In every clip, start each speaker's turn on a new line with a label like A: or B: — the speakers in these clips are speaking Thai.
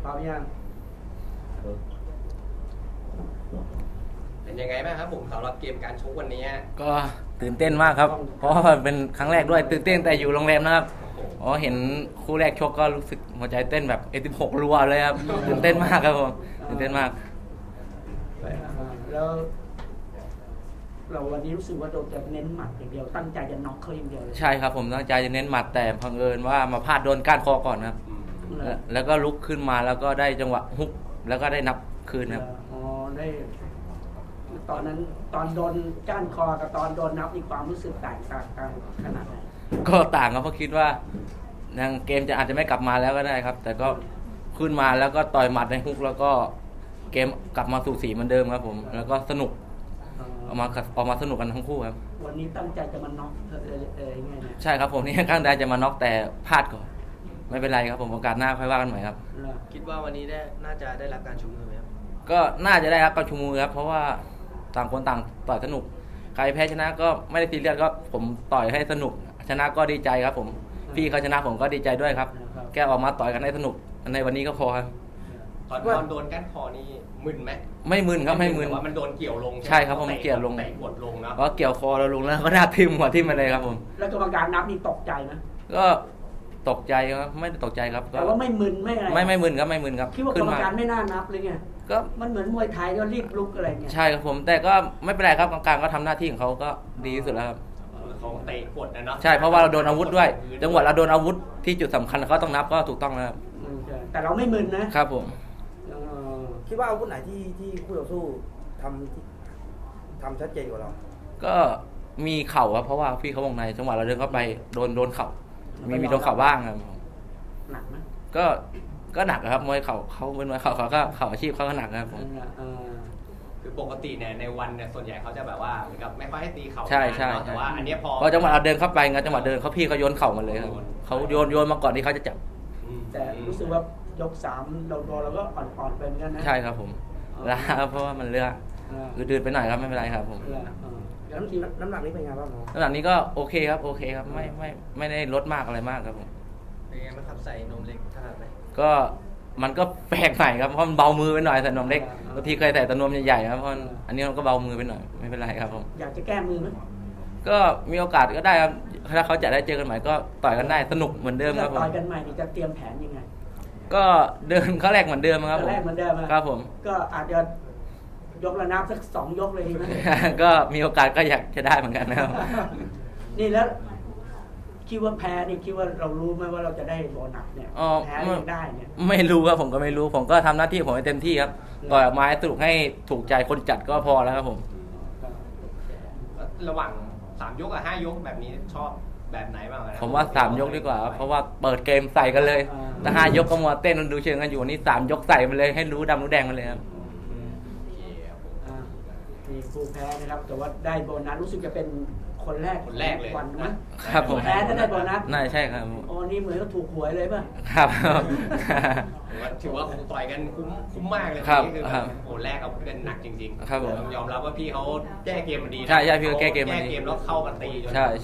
A: พร้อมยัง
B: เป็นยังไงบ้างครับผมสำหรับเกมการชกวันนี้
C: ก็ตื่นเต้นมากครับเพราะว่าเป็นครั้งแรกด้วยตื่นเต้นแต่อยู่โรงแรมนะครับอ๋อเห็นคู่แรกชกก็รู้สึกหัวใจเต้นแบบ16รัวเลยครับตื่นเต้นมากครับผมตื่นเต้นมาก
A: แล้วเราวันนี้รู้สึกว่าเราจะเน้นหมัดอย่างเดียวตั้งใจจะน็อกเขาอย่างเดียวเลย
C: ใช่ครับผมตั้งใจจะเน้นหมัดแต่บังเอิญว่ามาพลาดโดนก้านคอก่อนครับแล้วก็ลุกขึ้นมาแล้วก็ได้จังหวะฮุกแล้วก็ได้นับคืนครับ
A: อ๋อได้ตอนนั้นตอนโดนก้านคอกับตอนโดนนับมีความรู้สึกแตกต่างกันขนาดไหน
C: ก็ต่างครับเพราะคิดว่ายังเกมจะอาจจะไม่กลับมาแล้วก็ได้ครับแต่ก็ขึ้นมาแล้วก็ต่อยหมัดในฮุกแล้วก็เกมกลับมาสู่สีเหมือนเดิมครับผมแล้วก็สนุกออกมาสนุกกันทั้งคู่ครับ
A: วันนี้ตั้งใจจะมาน็อกยังไงเนี่ย
C: ใช่ครับผมนี่ข้างใดจะมาน็อกแต่พลาดก่อนไม่เป็นไรครับผมโอกาสหน้าค่อยว่ากันใหม่ครับ
B: คิดว่าวันนี้น่าจะได้รับการชูมือไหมครับ
C: ก็น่าจะได้รับการชูมือครับเพราะว่าต่างคนต่างต่อยสนุกใครแพ้ชนะก็ไม่ได้ซีเรียสก็ผมต่อยให้สนุกชนะก็ดีใจครับผมพี่เขาชนะผมก็ดีใจด้วยครับแกออกมาต่อยกันให้สนุกในวันนี้ก็พอครับ
B: ตอนโดนก้านคอนี่มึนไหม
C: ไม่มึนครับไม่มึน
B: แต่ว่ามันโดนเกี่ยวลง
C: ใช่ครับผมเกี่ยวลง
B: เตะกดลงนะ
C: เพราะเกี่ยวคอเราลงแล้วก็หน้าทิ่มหัวทิ่มมาเลยครับผม
A: แล้วกรรมการนับนี่ตกใจไหม
C: ก็ตกใจครับไม่ได้ตกใจครับ
A: แต่ว่าไม่มึนไม่อะไร
C: ไม่มึนครับไม่มึนครับ
A: คิดว่ากรรมการไม่น่านับเลยไงก็มันเหมือนมวยไทยก็รีบลุกอะไรเงี้ย
C: ใช่ครับผมแต่ก็ไม่เป็นไรครับกรรมการก็ทำหน้าที่ของเขาก็ดีที่สุดแล้วครับ
B: เขาเตะกดนะเนาะ
C: ใช่เพราะว่าเราโดนอาวุธด้วยจังหวะเราโดนอาวุธที่จุดสำคัญเขาต้องนับก็ถูกต้องแล้ว
A: แต่เราไม่มึน
C: นะครับผม
D: คิดว่าอาวุธไหนที่คู่ต่อสู้ทำชัดเจนกว่าเรา
C: ก็มีเข่าครับเพราะว่าพี่เขาวงในจังหวะเราเดินเข้าไปโดนเข่ามีโดนเข่าบ้างครับ
A: หนักไหม
C: ก็หนักครับมวยเข่าเขาเป็นมวยเข่าเขาก็เข่าอาชีพเขาก็หนักครับผม
B: คือปกติเนี่ยในวันเนี่ยส่วนใหญ่เขาจะแบบว่าเหมือนกับไม่ค่อยให้ตีเข่า
C: ใช่
B: แต่ว่าอันนี้พ
C: อจังหวะเราเดินเข้าไปไงจังหวะเดินเขาพี่เขาโยนเข่ามาเลยครับเขาโยนมาก่อนที่เขาจะจับ
A: แต่รู้สึกว่ายก3เราก็อ่อนๆเป็นกันนะ
C: ใช่ครับผมแล้วเพราะว่ามันเลือกดืดไปหน่อยครับไม่เป็นไรครับผม
D: แล้วน้ำหนักนี้เป็นไงบ้าง
C: น้ำหนักนี้ก็โอเคครับไม่ได้ลดมากอะไรมากครับผม
B: เป็นไงบ้างครับใส่นมเล็กขนาดไหน
C: ก็มันก็แปลกใหม่ครับเพราะมันเบามือไปหน่อยใส่นมเล็กบางทีเคยใส่แต่นมใหญ่ๆครับเพราะอันนี้มันก็เบามือไปหน่อยไม่เป็นไรครับผม
A: อยากจะแก้มือไหม
C: ก็มีโอกาสก็ได้ครับถ้าเขาจะได้เจอกันใหม่ก็ต่อยกันได้สนุกเหมือนเดิมครับผม
A: ต่อยกันใหม่จะเตรียมแผนยังไง
C: ก็เดินเขาแรกเหมือนเดิมครับผม
A: แรกเหมือนเดิม
C: ครับผม
A: ก็อาจจะยกระนาบสัก2 ยกเลยดีไหม
C: ก็มีโอกาสก็อยากจะได้เหมือนกันนะครับ
A: นี่แล้วคิดว่าแพ้นี่คิดว่าเรารู้ไหมว่าเราจะได้โบนัสเนี่ยแพ้ไม่ได้เนี่ย
C: ไม่รู้ครับผมก็ไม่รู้ผมก็ทำหน้าที่ผมให้เต็มที่ครับต่อยออกมาให้สนุกให้ถูกใจคนจัดก็พอแล้วครับผม
B: ระหว่าง3 ยกกับ5 ยกแบบนี้ชอบแบบไหนบ้าง
C: ผมว่า3 ยกดีกว่าเพราะว่าเปิดเกมใส่กันเลยแต่5 ยกก็มัวเต้นดูเชิงกันอยู่นี่3 ยกใส่ไปเลยให้รู้ดำรู้แดงมาเลยครับ
A: มีผู้แพ้นะครับแต่ว่าได้โบนัสรู้สึกจะเป็นคนแรก
B: เลย
A: วัน
C: นะครับผม
A: แพ้จะได้โบนัส
C: น่าใช่ครับ
A: โอ้นี่เหมือนก็ถูกหวยเลยป่ะ
C: ครับ
B: ถือว่าต่อยกันคุ้มมากเลยคือโอ้แรกเอาเป็นหนักจริง
C: ๆครับผม
B: ยอมรับว่าพี่เขาแก้เกมมันดี
C: ใช่พี่เขาแก้เกมมันดี
B: แล้วเข้ากันตี
C: ใช่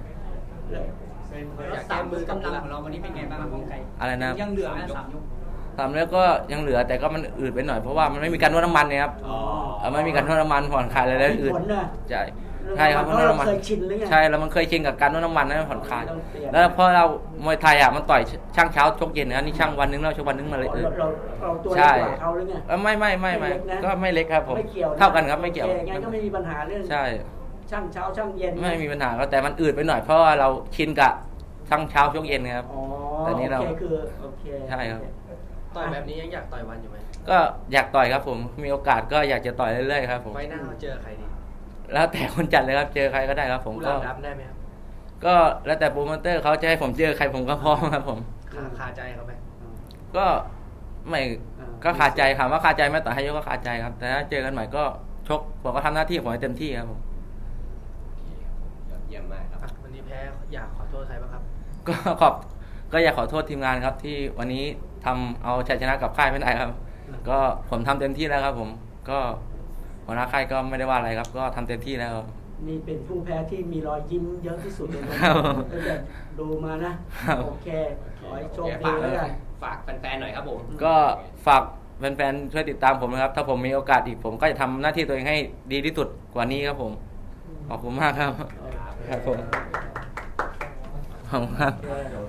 B: อยากแก้มือกำลังของเราวันนี้เป็นไงบ้างครับไก่
C: อะไรนะ
B: ยังเหลือ3 ยก
C: 3 แล้วก็ยังเหลือแต่ก็มันอืดไปหน่อยเพราะว่ามันไม่มีการนวดน้ำมันเนี่ยครับไม่มีการนวดน้ำมันผ่อนคลายอะไรแล้วอืดใช่ครับเพราะเราเคยชินหรือไงใช่แล้วมันเคยชินกับการนวดน้ำมันนั่นผ่อนคลายแล้วเพราะเรามวยไทยมันต่อยช่างเช้าชกเย็นนะนี่ช่างวันนึงเราชกวันนึงมาเลย
A: เราตัวเล็กกว่าเขาหรือไง
C: ไม่ก็ไม่เล็กครับผมเท่ากันครับไม่เกี่ยว
A: งั้นก็ไม่มีปัญหาเรื่อง
C: ใช่
A: ช่างเช้าช่างเย็น
C: ไม่มีปัญหาก็แต่มันอืดไปหน่อยเพราะว่าเราชินกับช่างเช้าชกเย็นครับแต่นี้เราใช่ครับ
B: ต่อยแบบนี้ยังอยากต่อยวันอยู่ไหม
C: ก็อยากต่อยครับผมมีโอกาสก็อยากจะต่อยเรื่อยๆครับผม
B: ไฟหน้าเจอใครดี
C: แล้วแต่คนจัดเลยครับเจอใครก็ได้ครับผม
B: ก็รับได้ไหมครับ
C: ก็แล้วแต่โปรโมเตอร์เขาจะให้ผมเจอใครผมก็พร้อมครับผม
B: คาใจเขาไหม
C: ก็ไม่ก็คาใจถามว่าคาใจไหมต่อให้ยกก็คาใจครับแต่ถ้าเจอกันใหม่ก็ชกผมก็ทำหน้าที่ผมให้เต็มที่ครับผม
B: เยี่ยมมากครับวันนี้แพ้อยากขอโทษใครบ้างครับ
C: ก็อยากขอโทษทีมงานครับที่วันนี้ทำเอาชัยชนะกับค่ายไม่ได้ครับก็ผมทำเต็มที่แล้วครับผมก็หัวหน้าค่ายก็ไม่ได้ว่าอะไรครับก็ทำเต็มที่แล้วครับ
A: นี่เป็นผู้แพ้ที่มีรอยยิ้มเยอะที่สุดเลยนะตั้งแต่ดูมานะโอเคขอให้โชคดีแล้วกัน
B: ฝากแฟนๆหน่อยครับผม
C: ก็ฝากแฟนๆช่วยติดตามผมนะครับถ้าผมมีโอกาสอีกผมก็จะทำหน้าที่ตัวเองให้ดีที่สุดกว่านี้ครับผมขอบคุณมากครับครับผมขอบคุณครับ